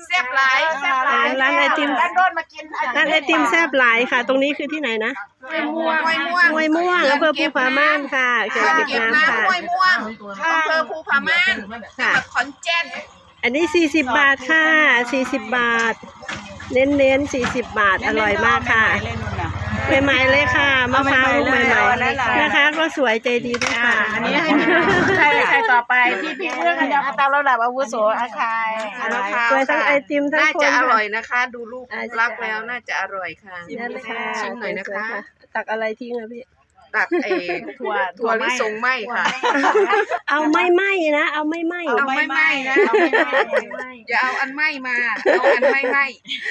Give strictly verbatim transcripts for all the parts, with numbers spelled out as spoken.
แซ่บหลายแซ่บหลายร้านไอติมร้านโดนมากินร้านไอติมแซ่บหลายค่ะตรงนี้คือที่ไหนนะห้วยม่วงห้วยม่วงห้วยม่วงอำเภอภูผาม่านค่ะเขื่อนเก็บน้ำค่ะห้วยม่วงอำเภอภูผาม่านจังหวัดขอนแก่นอันนี้สี่สิบบาทค่ะสี่สิบบาทเน้นเน้นสี่สิบบาทอร่อยมากค่ะใหม่ๆเลยค่ะมะพร้าวใหม่ๆนะคะก็สวยใจดีด้วยค่ะอันนี้ให้ใครใครต่อไปพี่พี่เรื่องกันตามระดับอาวุโสอาคายมะพร้าวสวยทั้งไอติมทั้งคนน่าจะอร่อยนะคะดูรูปลักแล้วน่าจะอร่อยค่ะชิมหน่อยนะคะตักอะไรทิ้งอะพี่ตักเอถั่วถั่วลิสงไหมค่ะเอาไม่ไหมนะเอาไม่ไหมเอาไม่ไหมนะเอาไม่ไหมอย่าเอาอันไหมมาเอาอันไม่ไหม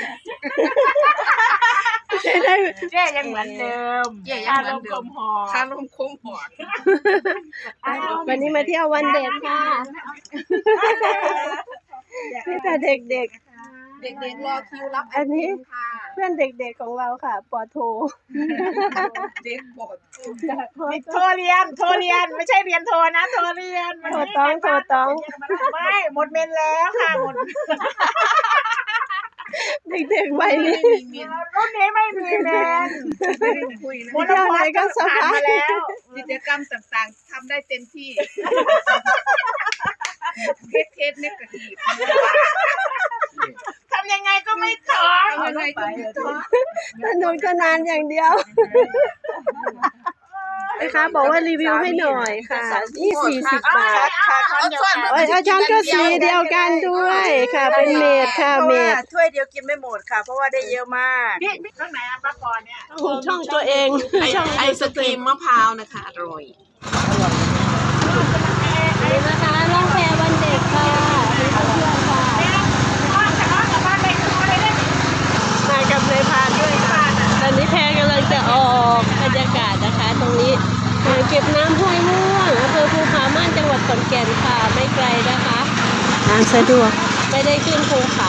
เจ๊ได้เจ๊ยังเหมือนเดิมเจ๊ยังเหมือนเดิมคาลมคมหอดวันนี้มาเที่ยววันเด็กค่ะนี่แต่เด็กๆเด็กๆรอคิวรับอันนี้เพื่อนเด็กๆของเราค่ะปอโทเด็กปอโทโทรเรียนโทรเรียนไม่ใช่เรียนโทรนะโทรเรียนโทรต้องโทรต้องไม่หมดเมนแล้วค่ะหมดเด็กๆวัยนี้รุ่นนี้ไม่มีเมนหมดแล้วไหนก็สบายมาแล้วกิจกรรมต่างๆทำได้เต็มที่เทสเทสเนกาทีฟทำยังไงก็ไม่ท้อทำยังไงก็ไม่ท้อสนุกสนานอย่างเดียวนะคะบอกว่ารีวิวให้หน่อยค่ะนี่สี่สิบบาทโอ้ยอาจารย์ก็สีเดียวกันด้วยค่ะเป็นเมดค่ะเมดถ้วยเดียวกินไม่หมดค่ะเพราะว่าได้เยอะมากข้างไหนอ่ะป้าปอนเนี่ยช่องตัวเองไอศกรีมมะพร้าวนะคะอร่อยนี่นะคะล่องแพวันเด็กค่ะมีเพื่อนค่ะมากับนายพานด้วยค่ะตอนนี้แพกำลังจะออกบรรยากาศนะคะตรงนี้อ่างเก็บน้ำห้วยม่วงอำเภอภูผาม่านจังหวัดขอนแก่นค่ะไม่ไกลนะคะทางสะดวกไม่ได้ขึ้นภูเขา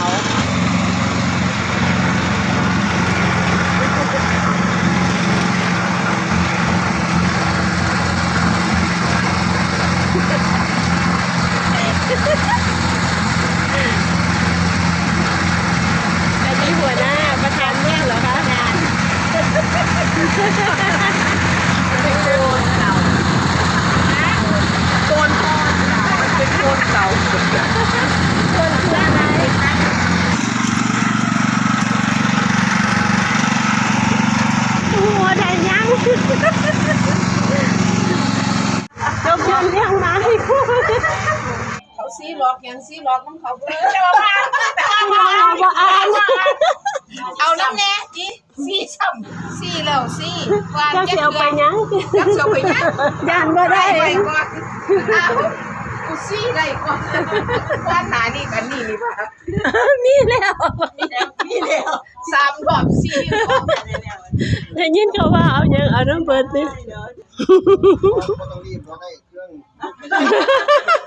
อันนี้หัวหน้าประธานเนี่ยเหรอคะงานเป็นโกนเก่าโกนทองเป็นโกนเก่าโกนเพื่ออะไรหัวได้ยังจบยันเลี้ยงมาให้คู่เขาซีล็อกยังซีล็อกน้ำเขาเบอร์เอาบ่อ่านเอาน้ำแน่จีซีซ้ำซีแล้วซีวางจะเสียวไปยังจะเสียวไปยังย่านบ่ได้ก่อนกูซีได้ก่อนว่าหนานี่กันนี่นี่ป่ะมีแล้วมีแล้วมีแล้วสามรอบซีได้ยินเขาว่าเอายังเอาน้ำเบิดนี่ต้องรีบเพราะได้เครื่อง